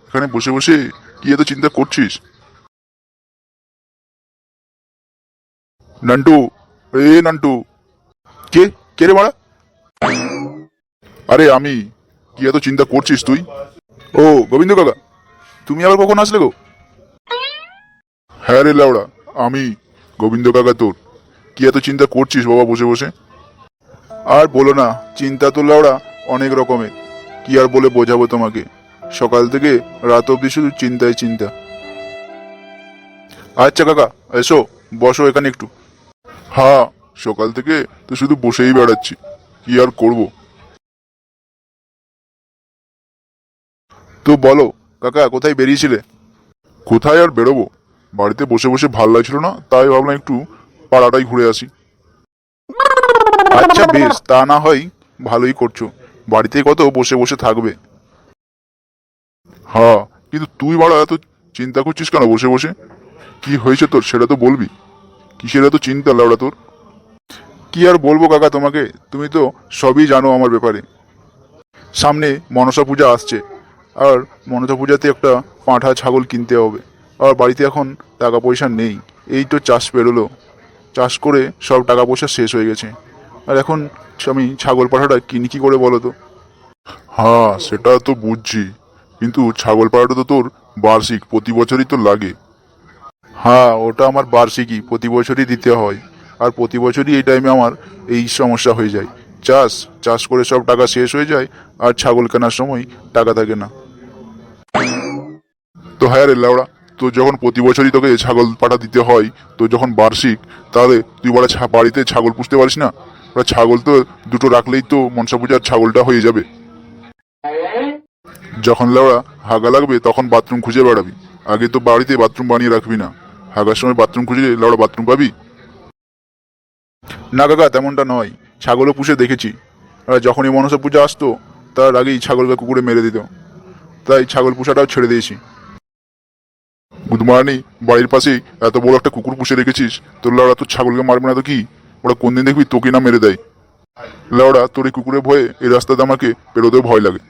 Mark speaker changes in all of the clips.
Speaker 1: এখানে বসে বসে কি এত চিন্তা করছিস? নান্টু, নান্টু। কে? কে রে মারা? আরে আমি। কি এত চিন্তা করছিস তুই? ও গোবিন্দ কাকা, তুমি আবার কখন আসলে গো? হ্যাঁ রে লাউড়া, আমি গোবিন্দ কাকা তোর। কি এত চিন্তা করছিস বাবা বসে বসে? আর বলো না, চিন্তা তো লাউড়া অনেক রকমের। কি আর বলে বোঝাবো তোমাকে। সকাল থেকে রাত অবধি শুধু চিন্তায় চিন্তা। আচ্ছা কাকা, এসো, বসো এখানে একটু। হ্যাঁ, সকাল থেকে তো শুধু বসেই বেড়াচ্ছি, কি আর করব। তো বলো কাকা, কোথায় বেরিয়েছিলে? কোথায় আর বেরোবো, বাড়িতে বসে বসে ভাল লাগছিল না, তাই ভাবলাম একটু পাড়াটাই ঘুরে আসি। আচ্ছা বেশ, তা না হয় ভালোই করছো, বাড়িতে কত বসে বসে থাকবে। হ্যাঁ, কিন্তু তুই বাড়া এত চিন্তা করছিস কেন বসে বসে? কি হয়েছে তোর সেটা তো বলবি। কিসের এত চিন্তা লাউড়া তোর? কি আর বলবো কাকা তোমাকে, তুমি তো সবই জানো আমার ব্যাপারে। সামনে মনসা পূজা আসছে, আর মনসা পূজাতে একটা পাঁঠা ছাগল কিনতে হবে। আর বাড়িতে এখন টাকা পয়সা নেই। এই তো চাষ পেরোলো, চাষ করে সব টাকা পয়সা শেষ হয়ে গেছে। আর এখন আমি ছাগল পাঠাটা কিনি কি করে বলো তো? হ্যাঁ সেটা তো বুঝছি, কিন্তু ছাগল পাঠাটা তো তোর বার্ষিক, প্রতি বছরই তো লাগে। হ্যাঁ ওটা আমার বার্ষিকই, প্রতি বছরই দিতে হয়। আর প্রতি বছরই এই টাইমে আমার এই সমস্যা হয়ে যায়। চাষ চাষ করে সব টাকা শেষ হয়ে যায়, আর ছাগল কেনার সময় টাকা থাকে না। তো হ্যাঁ রে লাউড়া, তো যখন প্রতি বছরই তোকে ছাগল পাঠা দিতে হয়, তো যখন বার্ষিক, তাহলে তুই বড় বাড়িতে ছাগল পুষতে পারিস না? ওরা ছাগল তো দুটো রাখলেই তো মনসা পূজার ছাগলটা হয়ে যাবে। যখন লাউড়া হাগা লাগবে তখন বাথরুম খুঁজে বেড়াবি, আগে তো বাড়িতে বাথরুম বানিয়ে রাখবি না। হাগার সময় বাথরুম খুঁজলে লাউড়া বাথরুম পাবি? না কাকা, তেমনটা নয়। ছাগলও পুষে দেখেছি, আর যখনই মনসা পূজা আসতো তার আগেই ছাগলকে কুকুরে মেরে দিত, তাই ছাগল পুষাটাও ছেড়ে দিয়েছি। বুধমারানি, বাড়ির পাশেই এত বড় একটা কুকুর পুষে রেখেছিস, তোর লাউড়া তোর ছাগলকে মারবে না তো কি? ওরা কোনদিন দেখবি তোকে না মেরে দেয়। লাউড়া তোর এই কুকুরের ভয়ে এই রাস্তাতে আমাকে পেরোতেও ভয় লাগে।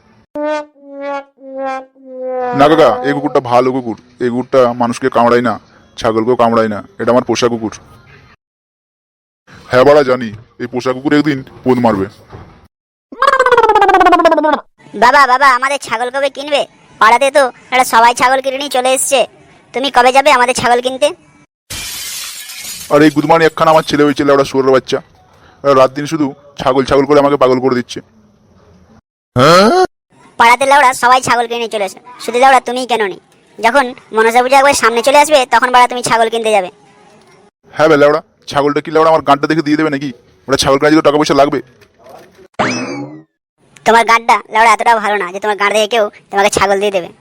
Speaker 1: না কাকা, এই কুকুরটা ভালো কুকুর, এই কুকুরটা মানুষকে কামড়ায় না, ছাগলকেও কামড়ায় না, এটা আমার পোষা কুকুর। হ্যাঁ বাড়া জানি, এই পোষা কুকুর একদিন পোদ মারবে।
Speaker 2: বাবা বাবা, আমাদের ছাগল কবে কিনবে? পাড়াতে তো একটা সবাই ছাগল কিনে নিয়ে চলে এসছে। তুমি কবে যাবে আমাদের ছাগল কিনতে?
Speaker 1: আর এই গুদমানি একখানা আমার ছেলে হয়েছে লাউড়া শুয়োরের বাচ্চা, রাত দিন শুধু ছাগল ছাগল করে আমাকে পাগল করে দিচ্ছে।
Speaker 2: পাড়াতে লাউড়া সবাই ছাগল কিনে নিয়ে চলে এসে, শুধু লাউড়া তুমিই কেন নি? যখন মনসা পূজা একবার সামনে চলে আসবে তখন বাড়া তুমি ছাগল কিনতে যাবে।
Speaker 1: হ্যাঁ বে লাউড়া, ছাগলটা কি লাউড়া আমার গানটা দেখে দিয়ে দেবে নাকি? ওটা ছাগল কেনার জন্য টাকা পয়সা লাগবে।
Speaker 2: তোমার গাঁটটা লাউড়া এতটাও ভালো না যে তোমার গাঁট দেখে কেউ তোমাকে ছাগল দিয়ে দেবে।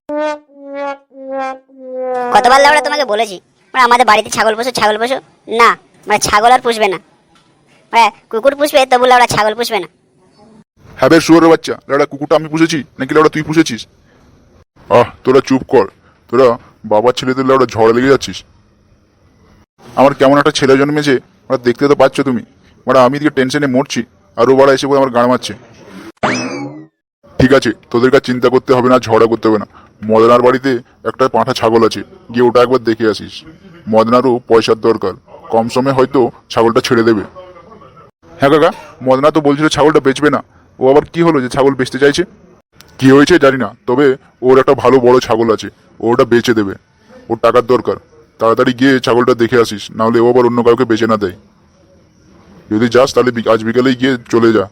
Speaker 2: কতবার লাউড়া তোমাকে বলেছি মানে আমাদের বাড়িতে ছাগল পোষো, ছাগল পোষো না, মানে ছাগল আর পুষবে না, মানে কুকুর পুষবে তবু লাউড়া ছাগল পুষবে না।
Speaker 1: হ্যাঁ বে শুয়োরের বাচ্চা, লাউড়া কুকুরটা আমি পুষেছি নাকি লাউড়া তুই পুষেছিস? তোরা চুপ কর, তোরা বাবার ছেলেদের লাউড়া ঝড়ে লেগে যাচ্ছিস। আমার কেমন একটা ছেলে জন্মেছে, ওরা দেখতে তো পাচ্ছ তুমি। মানে আমি দিকে টেনশনে মরছি, আর ও বাড়া এসে বলে আমার গান মারছে। ঠিক আছে, তোদের কাছে চিন্তা করতে হবে না, ঝগড়া করতে হবে না। মদনার বাড়িতে একটা পাঁঠা ছাগল আছে, গিয়ে ওটা একবার দেখে আসিস। মদনারও পয়সার দরকার, কম সময়ে হয়তো ছাগলটা ছেড়ে দেবে। হ্যাঁ কাকা, মদনা তো বলছিল ছাগলটা বেচবে না। ও আবার কি হলো যে ছাগল বেচতে চাইছে? কি হয়েছে জানি না, তবে ওর একটা ভালো বড় ছাগল আছে, ও ওটা বেচে দেবে। ওর টাকার দরকার, তাড়াতাড়ি গিয়ে ছাগলটা দেখে আসিস, নাহলে ও আবার অন্য কাউকে বেচে না দেয়। যদি যাস তাহলে আজ বিকেলেই গিয়ে চলে যা।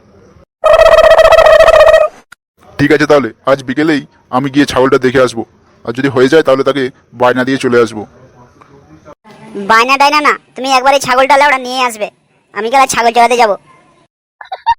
Speaker 1: ঠিক আছে, তাহলে আজ বিকেলেই আমি গিয়ে ছাগলটা দেখে আসবো, আর যদি হয়ে যায় তাহলে তাকে বায়না দিয়ে চলে আসবো।
Speaker 2: বায়না ডায়না না, তুমি একবার এই ছাগলটা লাউড়া নিয়ে আসবে, আমি গেলে ছাগল চড়াতে যাবো।